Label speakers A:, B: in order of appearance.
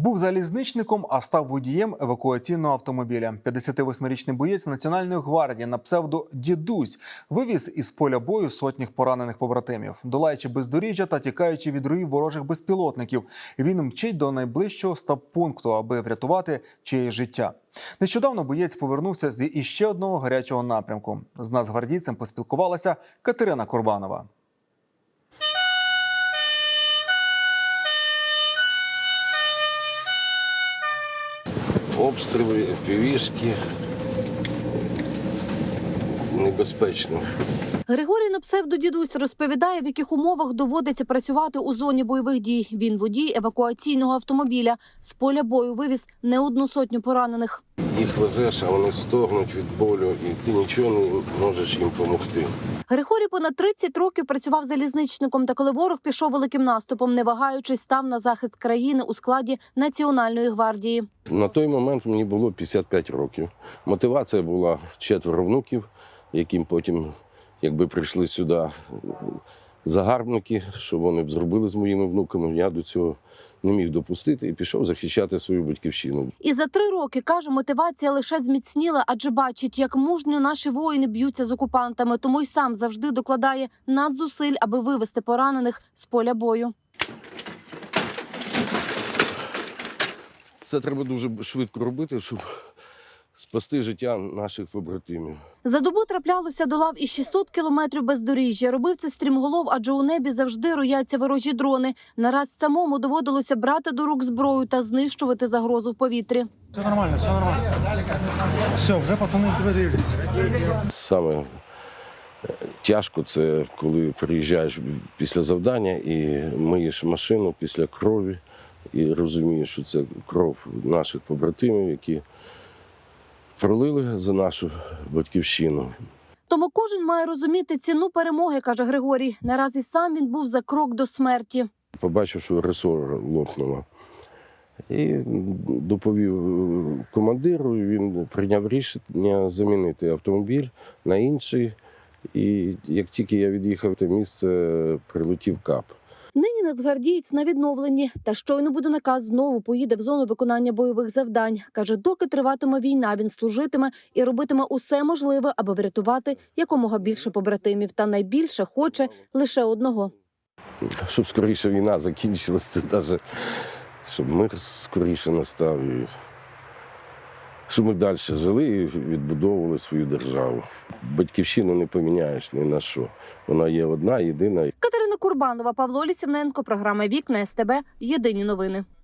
A: Був залізничником, а став водієм евакуаційного автомобіля. 58-річний боєць Національної гвардії на псевдо «Дідусь» вивіз із поля бою сотнях поранених побратимів. Долаючи бездоріжжя та тікаючи від руїв ворожих безпілотників, він мчить до найближчого стаб-пункту, аби врятувати чиєсь життя. Нещодавно боєць повернувся з іще одного гарячого напрямку. З нацгвардійцем поспілкувалася Катерина Курбанова.
B: Обстріли, півішки. Небезпечно.
C: Григорій на псевдо-дідусь розповідає, в яких умовах доводиться працювати у зоні бойових дій. Він водій евакуаційного автомобіля. З поля бою вивіз не одну сотню поранених.
B: Їх везеш, а вони стогнуть від болю, і ти нічого не можеш їм допомогти.
C: Григорій понад 30 років працював залізничником, та коли ворог пішов великим наступом, не вагаючись, став на захист країни у складі Національної гвардії.
B: На той момент мені було 55 років. Мотивація була 4 внуків, яким потім, якби прийшли сюди загарбники, що вони б зробили з моїми внуками, я до цього не міг допустити і пішов захищати свою батьківщину.
C: І за 3 роки, каже, мотивація лише зміцніла, адже бачить, як мужньо наші воїни б'ються з окупантами, тому й сам завжди докладає надзусиль, аби вивести поранених з поля бою.
B: Це треба дуже швидко робити, щоб спасти життя наших побратимів.
C: За добу траплялося до лав і 600 кілометрів бездоріжжя. Робив це стрімголов, адже у небі завжди рояться ворожі дрони. Нараз самому доводилося брати до рук зброю та знищувати загрозу в повітрі.
D: Все нормально, все нормально. Все, вже пацани тебе дивляться.
B: Саме тяжко це, коли приїжджаєш після завдання і миєш машину після крові і розумієш, що це кров наших побратимів, які пролили за нашу батьківщину.
C: Тому кожен має розуміти ціну перемоги, каже Григорій. Наразі сам він був за крок до смерті.
B: Побачив, що ресор лопнуло. І доповів командиру, і він прийняв рішення замінити автомобіль на інший. І як тільки я від'їхав в те місце, прилетів кап.
C: Нині нацгвардієць на відновленні. Та щойно буде наказ, знову поїде в зону виконання бойових завдань. Каже, доки триватиме війна, він служитиме і робитиме усе можливе, аби врятувати якомога більше побратимів. Та найбільше хоче лише одного.
B: Щоб скоріше війна закінчилася, це навіть, щоб мир скоріше настав. І щоб ми далі жили і відбудовували свою державу. Батьківщину не поміняєш ні на що. Вона є одна, єдина.
C: Катерина Курбанова, Павло Лісівненко, програма «Вікна СТБ». Єдині новини.